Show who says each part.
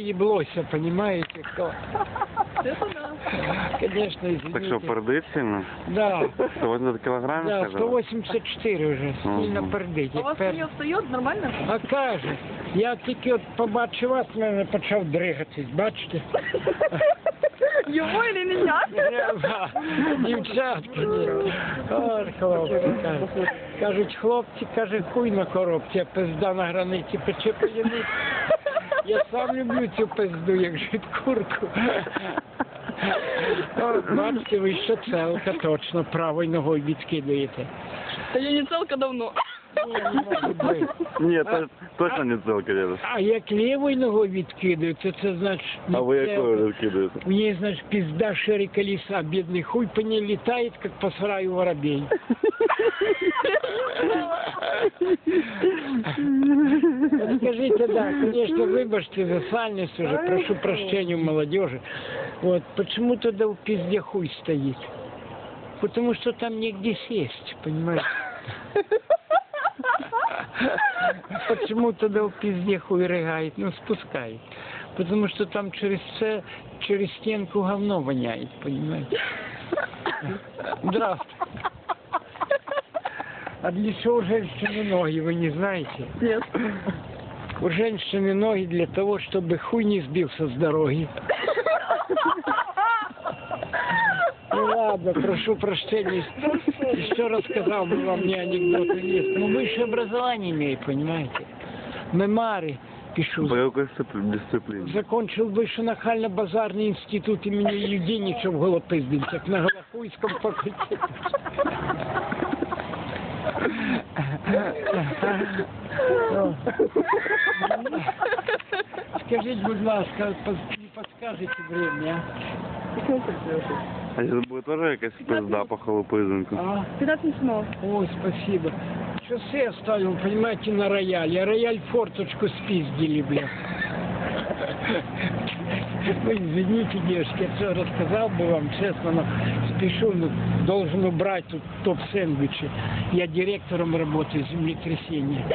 Speaker 1: еблося, понимаете, кто?
Speaker 2: Это да.
Speaker 1: Конечно, извините.
Speaker 3: Так що, пердить сильно?
Speaker 1: Да,
Speaker 3: 180 кілограмів,
Speaker 1: да,
Speaker 3: сказали?
Speaker 1: 184 вже, сильно
Speaker 3: Мгм.
Speaker 1: пердить.
Speaker 2: У вас не встает нормально?
Speaker 1: А каже, я тільки от побачив вас, мене почав дригатись, бачите?
Speaker 2: Его или меня?
Speaker 1: Треба, дівчатки, ні. Ой, хлопці, кажуть. Кажуть, хлопці, каже, хуй на коробці, а пизда на границі пече п'яниць. Я сам люблю цю пизду, як жит курку. О, бачите, ви ще целка, точно, правою ногою відкидаєте.
Speaker 2: Да я не целка давно.
Speaker 1: Ні, не може бути.
Speaker 3: Ні, точно не целка, дедусь.
Speaker 1: А як лівою ногою відкидаю, то це значить...
Speaker 3: А ви якою розкидаєте?
Speaker 1: У нее, значит, пизда шире колеса, бедный хуй по ней летает, как по сараю воробей. Вот скажите, да, конечно, выбачьте за сальность уже, прошу прощения у молодежи. Вот, почему тогда в пизде хуй стоит? Потому что там негде сесть, понимаете? Почему тогда в пизде хуй рыгает? Ну, спускает. Потому что там через стенку говно воняет, понимаете? Здравствуйте. А для чего у женщины ноги, вы не знаете?
Speaker 2: Нет.
Speaker 1: У женщины ноги для того, чтобы хуй не сбился с дороги. Ну ладно, прошу прощения. Еще рассказал бы вам мне анекдоты есть. Но высшее образование имею, понимаете? Мемары пишу.
Speaker 3: По какой дисциплине?
Speaker 1: Закончил вышенахально-базарный институт имени Юденича в Голопыздинцах на Голохуйском факультете. Скажите, будь ласка, не подскажете время,
Speaker 3: А сейчас будет тоже якась пизда по холопизинку?
Speaker 1: а?
Speaker 2: 15 минут.
Speaker 1: Ой, спасибо. Шоссе оставил, понимаете, на рояле. А рояль форточку спиздили, бля. Вы извините, девушки, я все рассказал бы вам, честно, но спешу, но должен убрать тут топ-сэндвичи. Я директором работаю землетрясения.